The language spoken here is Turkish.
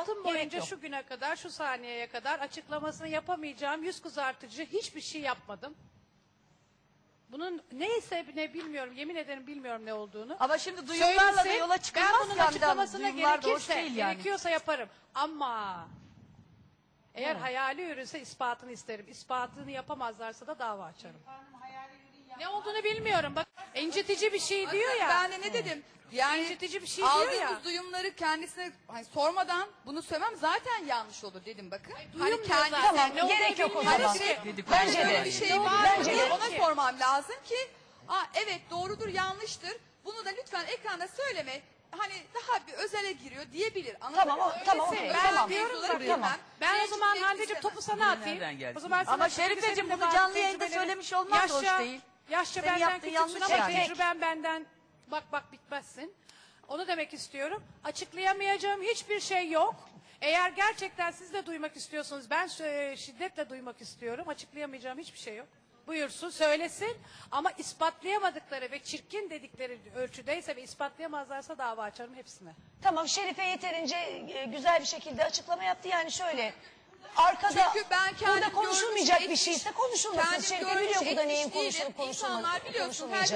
Hayatım gerek boyunca yok. şu güne kadar, şu saniyeye kadar açıklamasını yapamayacağım yüz kızartıcı hiçbir şey yapmadım. Bunun neyse ne bilmiyorum, yemin ederim bilmiyorum ne olduğunu. Ama şimdi duyumlarla da Söylesin, yola çıkılmaz ben bunun ki açıklamasına duyumlar da hoş gerekirse, değil yani. gerekiyorsa yaparım. Ama eğer hayali ürünse ispatını isterim. İspatını yapamazlarsa da dava açarım. Ne olduğunu bilmiyorum. Bak incitici bir şey diyor ya. Ben de ne dedim? Yani İncitici bir şey diyor aldığımız ya. duyumları kendisine hani sormadan bunu söylemem zaten yanlış olur dedim bakın. Duyum Hani diyor kendi zaten. Tamam, Ne olduğunu gerek yok o bilmiyorum zaman. ki. Bence böyle de. bir şey Ne var olduğunu Bence mı? de. Ona sormam lazım ki evet doğrudur yanlıştır. Bunu da lütfen ekranda söyleme. Hani daha bir özele giriyor diyebilir. Tamam, tamam, Öyleyse okey, ben tamam. mevzuları Tamam. bilmem. Ben o zaman Tecrübe Hande'cim istemem. topu sana atayım. Nereden gelsin? O zaman sana Ama çünkü Şerifeciğim senin de bunu bazı canlı yayında tecrübelerin- söylemiş olmak da hoş değil. Yaşça Senin benden yaptığın küçüksün yanlış ama yani. tecrüben benden bak bitmezsin. Onu demek istiyorum. Açıklayamayacağım hiçbir şey yok. Eğer gerçekten siz de duymak istiyorsunuz, ben şiddetle duymak istiyorum. Açıklayamayacağım hiçbir şey yok. Buyursun, söylesin. Ama ispatlayamadıkları ve çirkin dedikleri ölçüdeyse ve ispatlayamazlarsa dava açarım hepsine. Tamam, Şerife yeterince güzel bir şekilde açıklama yaptı. Yani şöyle arkada Çünkü ben kendim burada konuşulmayacak görmüş, bir şeyse konuşulmasın. kendim Şerife görmüş, biliyor burada etmiş neyin değilim. konuşulup İnsanlar biliyorsun, konuşulmayacak.